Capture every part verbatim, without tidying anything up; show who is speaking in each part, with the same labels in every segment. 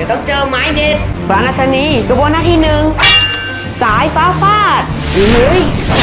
Speaker 1: ดี๋ยวต้องเจอไม้เด็ดปราณชนีกระบวนหน้าที่หนึ่งสายฟ้าฟาดเฮ้ย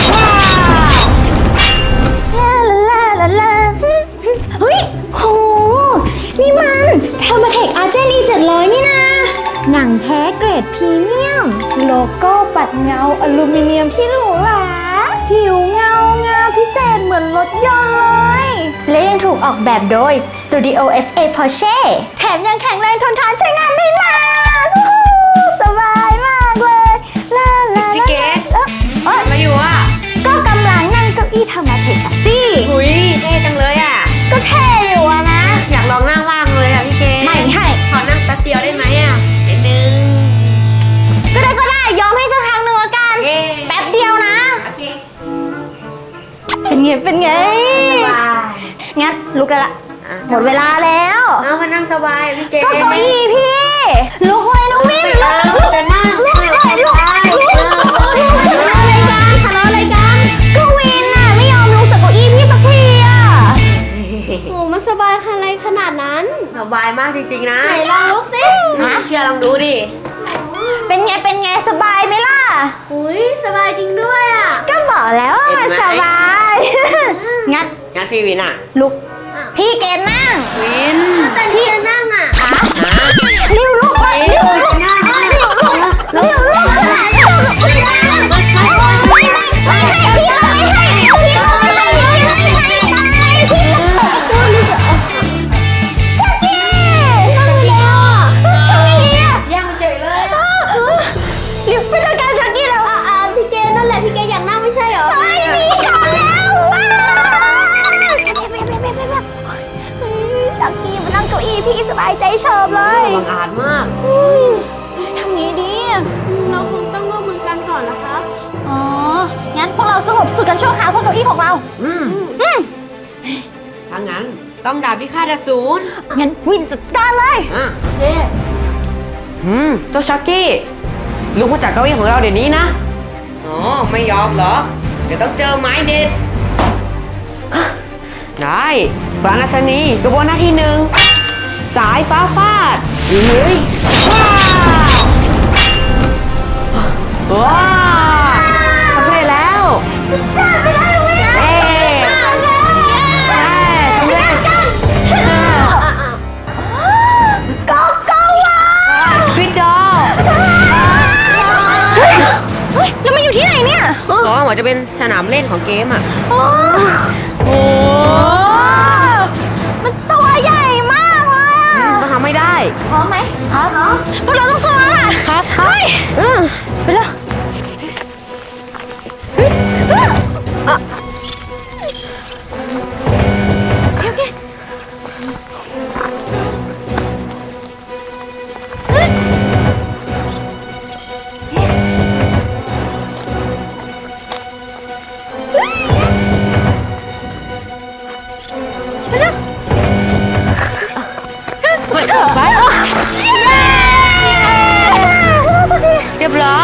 Speaker 1: ว้า
Speaker 2: ลาลาลาลาเฮ้ยโหนี่มันเทอร์มาเทคอาร์เจนีเจ็ดร้อยนี่นะหนังแท้เกรดพรีเมียมโลโก้ปัดเงาอลูมิเนียมที่หรูหราผิวเงางามพิเศษเหมือนรถยนต์เลยและยังถูกออกแบบโดย Studio เอฟ เอ Porsche แถมยังแข็งแรงทนทานใช้งานได้นานสบายมากเลยลาลา
Speaker 1: พี่เกด
Speaker 2: เออเออ
Speaker 1: มาอยู่อ่ะ
Speaker 2: ก็กำลังนั่งเก้าอี้ธรรมะเทคอะสิ
Speaker 1: หุยเท่จังเลยอ่ะ
Speaker 2: ก็เท่อยู่อะนะ
Speaker 1: อยากลองนั่งบ้างเลยอ่ะพี่เกด
Speaker 2: ไม่ให้
Speaker 1: ขอนั่งแป๊บเดียวได้ไหมอ่ะนิดนึง
Speaker 2: ก็ได้ก็ได้ยอมให้สักครั้งหนึ่งละกัน
Speaker 1: เย้
Speaker 2: แป๊บเดียวนะ
Speaker 1: โอเค
Speaker 2: เป็นไงเป็นไง
Speaker 1: สบาย
Speaker 2: งั้นลุกได้ละ
Speaker 1: อ่ะ
Speaker 2: หมดเวลาแล้ว
Speaker 1: เอามานั่งสบายพี่เกด
Speaker 2: ก็เก้าอี้พี่ลุกเลยลุกวิ่งลุกลุก
Speaker 1: จะนั่ง
Speaker 2: ลุกเลยลุกลุกอะไรกันทะเลาะอะไรกันก็วินน่ะไม่ยอมลุกจากเก้าอี้พี่สักทีอ่ะโอ้มันสบายอะไรขนาดนั้น
Speaker 1: สบายมากจริงๆนะ
Speaker 2: ไหนลองลุกสิ
Speaker 1: ไม่เชื่อลองดูดิ
Speaker 2: เป็นไงเป็นไงสบายไหมล่ะอุ้ยสบายจริงด้วยอ่ะก็บอกแล้วว่ามันสบายงั้น
Speaker 1: งั้นพี่วินอ่ะ
Speaker 2: ลุกพี่เกณฑ์นั่ง
Speaker 1: วิน
Speaker 2: แต่พี่จะนั่งอ่ะริ้วลุกเลยริ้วลุกริ้วลุกริ้วลุกขนาดริ้วลุกไม่ได้ไม่ไม่ไม่ไม่ให้พี่ไม่ให้พี่ไม่ให้ไม่ให้ไม่ให้พี่จะเปิดตัวนี่จะชักกี้นั่งเลยอ่ะทำไงดีอ่ะ
Speaker 1: ยังเฉยเลย
Speaker 2: ริ้วไปจัดการชักกี้แล้วอ่ะพี่เกนั่นแหละพี่เกอยากนั่งไม่ใช่เหรอไม่มีทำแล้วชักกี้มานั่งเก้าอี้พี่สบายใจชอบเลย
Speaker 1: บังอาจมาก
Speaker 2: ทำงี้ดี
Speaker 3: เราคงต้องร่วมมือกันก่อนนะครับ
Speaker 2: อ๋อ งั้นพวกเราสงบศึกกันชั่วคราวบนเก้าอี้ของเรา
Speaker 1: อืม
Speaker 2: อืม
Speaker 1: ถ้างั้นต้องดาบพิฆาตอสูร
Speaker 2: งั้นวินจัดการเลย
Speaker 1: อ่ะเจ๊อืมเจ้าชักกี้ลุกมาจากเก้าอี้ของเราเดี๋ยวนี้นะ อ๋อ ไม่ยอมเหรอ เดี๋ยวต้องเจอไม้เด็ด ได้ปราณชนีกระบวนหน้าที่หนึ่งสายฟ้าฟาดเฮ้ยว้าว้าสำเร็จแล้ว
Speaker 2: จ้าไปได้วิน
Speaker 1: เอ๊ะสำเร็จ
Speaker 2: ก็ก็ว่า
Speaker 1: ฟิดดอ
Speaker 2: เฮ้ยแล้วมาอยู่ที่ไหนเนี่ย
Speaker 1: อ๋อเหมือนจะเป็นสนามเล่นของเกมอ่ะ
Speaker 2: โอ้โหมันตัวใหญ่มากเลยอะ
Speaker 1: ต้องทำไม่ได้
Speaker 2: พร้อมไหมพร้อมพวกเราต้องสู้แล้วล่ะ
Speaker 1: ครับ
Speaker 2: เฮ้ย
Speaker 1: อืม
Speaker 2: ไปเลยโอเค
Speaker 1: เฮ้ยไปเรียบร้อย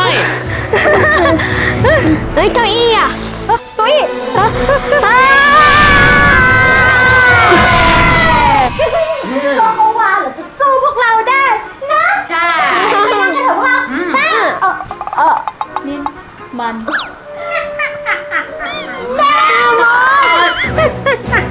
Speaker 2: เฮ้ยเก้าอี้อ่ะเก้าอี้ก็เมื่อวานเราจะสู้พวกเราได้นะ
Speaker 1: ใช่
Speaker 2: ไปนั่งกันเถอะพวกเราเออเออนี่มันแม่มด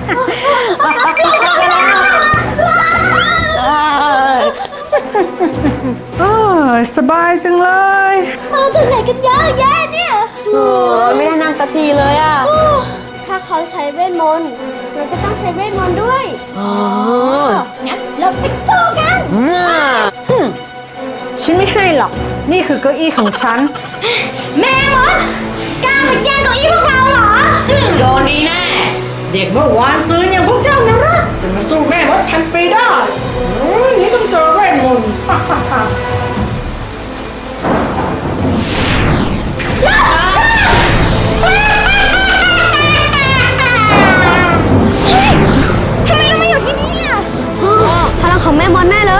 Speaker 4: เออสบายจังเลย
Speaker 2: มาถึงไหนกันเยอะแยะเนี่ย
Speaker 1: โอ้ยไม่ได้นั่งสักทีเลยอ่ะ
Speaker 3: ถ้าเขาใช้เวทมนต์เราก็ต้องใช้เวทมนต์ด้วย
Speaker 1: อ๋อ
Speaker 2: งั้นเราไปสู้กัน
Speaker 1: อืม
Speaker 4: ฉันไม่ให้หรอก นี่คือเก้าอี้ของฉัน
Speaker 2: แม่มดกล้ามาแย่งเก้าอี้พวกเราเหรอ
Speaker 1: โดนดีแน่
Speaker 4: เด็กเมื่อวานซื้ออย่างพวกเจ้านะรักจะมาสู้แม่มดพันปีได้เฮ้ยนี่ต้องเจอแม่มนต์ฮ่าฮ่าฮ่า
Speaker 2: ทำไมเรามาอยู่ที่นี่อ่ะ
Speaker 3: พลังของแม่มดแน่เลย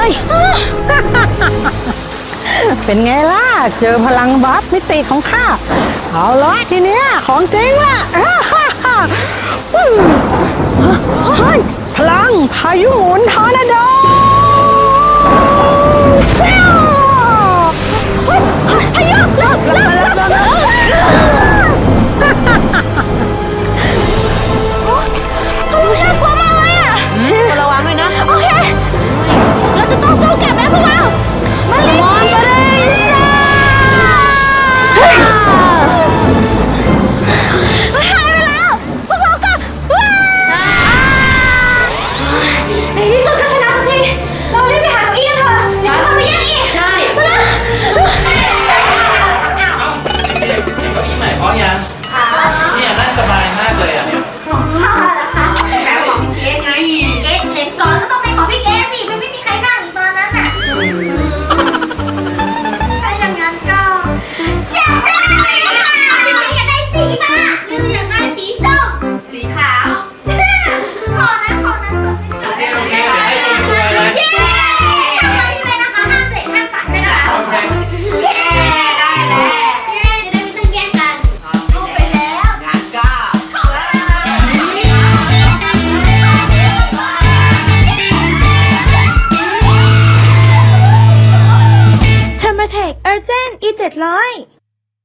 Speaker 4: เป็นไงล่ะ เจอพลังบัฟมิติของข้า เอาละทีเนี้ยของจริงล่ะฮ่าฮ่าฮ่าอืมเฮ้ยพลังพายุหมุนทอร์นาโด
Speaker 2: Urgent อี เจ็ดร้อย